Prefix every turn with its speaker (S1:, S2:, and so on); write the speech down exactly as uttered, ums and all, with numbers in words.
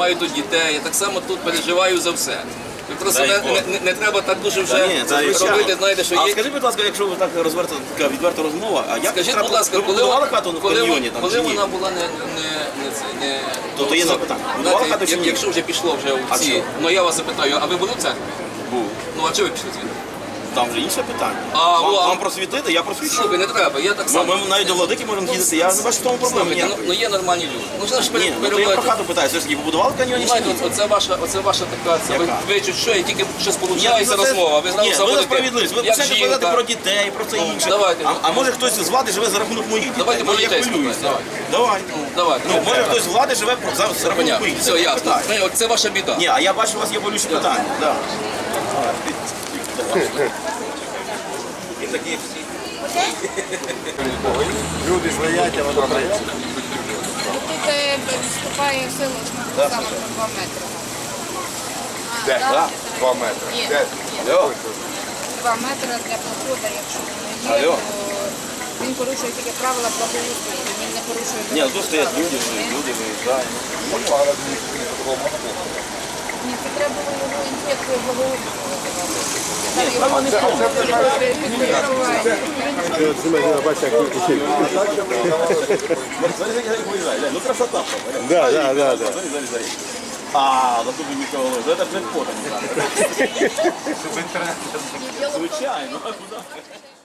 S1: маю тут дітей, я так само тут переживаю за все. Ви просто
S2: Дай
S1: не,
S2: Бог.
S1: не, не треба так дуже вже
S2: Ні, це звичайно.
S1: робити, знаєте, що
S2: А
S1: є.
S2: скажіть, будь ласка, якщо ви так розверта, така відверта розмова, а як
S1: Скажіть,
S2: треба-
S1: будь ласка,
S2: ви
S1: коли,
S2: будували
S1: вона-
S2: хату в
S1: коли,
S2: каньйоні
S1: вона-
S2: там
S1: коли
S2: чи ні?
S1: вона була не, не, не, це, не...
S2: Тобто є
S1: ну,
S2: запитання.
S1: знаєте,
S2: Будували хату чи
S1: як-
S2: ні?
S1: Якщо вже пішло вже
S2: А
S1: в ці,
S2: що?
S1: ну я вас запитаю, а ви були в церкві?
S2: Був.
S1: Ну а чого ви пішли звідти?
S2: Там вже інше питання.
S1: А,
S2: вам,
S1: о, а-
S2: вам просвітити, я просвічу.
S1: Слухай, не треба, я так
S2: Ми,
S1: само.
S2: ми навіть до владики можемо їздити, я не бачу в тому проблеми
S1: Слухайте, ну,
S2: ніякої.
S1: ну є нормальні люди. Ну що ж
S2: Ні, ну то я про
S1: перебувати?
S2: хату питаю, все ж таки побудували каньйоні чи
S1: Знаєте,
S2: ні?
S1: оце ваша, оце ваша така, це, ви,
S2: Яка?
S1: ви чуть що, і тільки щось
S2: Ні,
S1: получається
S2: ну, це-
S1: розмова, ви зразу
S2: Ні, ви
S1: заводите,
S2: за справедливість, ви
S1: як
S2: почнете
S1: жінка.
S2: казати про дітей, про це інше.
S1: давайте.
S2: А, а може хтось з влади живе за рахунок моїх дітей?
S1: Давайте
S2: Може,
S1: про
S2: я
S1: дітей
S2: хвилююся.
S1: спитаємо,
S2: Давай.
S1: Давайте.
S2: Ну, може хтось з влади живе про- за, за рахунок
S1: Понятно.
S2: моїх
S1: Все,
S2: дітей.
S1: ясно.
S2: Питаю.
S1: Ну, от Це ваша біда.
S2: Ні, а я бачу, у вас є болючі питання. Да. І такі всі.
S3: Люди стоять, а воно стоять.
S4: Тут е, вступає в силу саме про два метри. А,
S3: Де?
S4: да?
S3: Два метри.
S4: Є.
S3: Де?
S4: Є.
S3: Алло.
S4: Два метри для проходу, якщо воно є,
S3: Алло.
S4: то він порушує тільки правила благоустрою, він не порушує...
S2: Ні, тут стоять люди, люди виїжджають.
S4: Ні, це треба було його інспекцію благоустрою визивати. Там його
S2: справа не в тому.
S4: підпорядкування.
S3: Бачите, як тут.
S2: Ну красота.
S3: Да, да, да, да.
S2: А, за тобі нічого голови. Це ж не фото.
S4: Ні, діло в тому,
S2: Звичайно.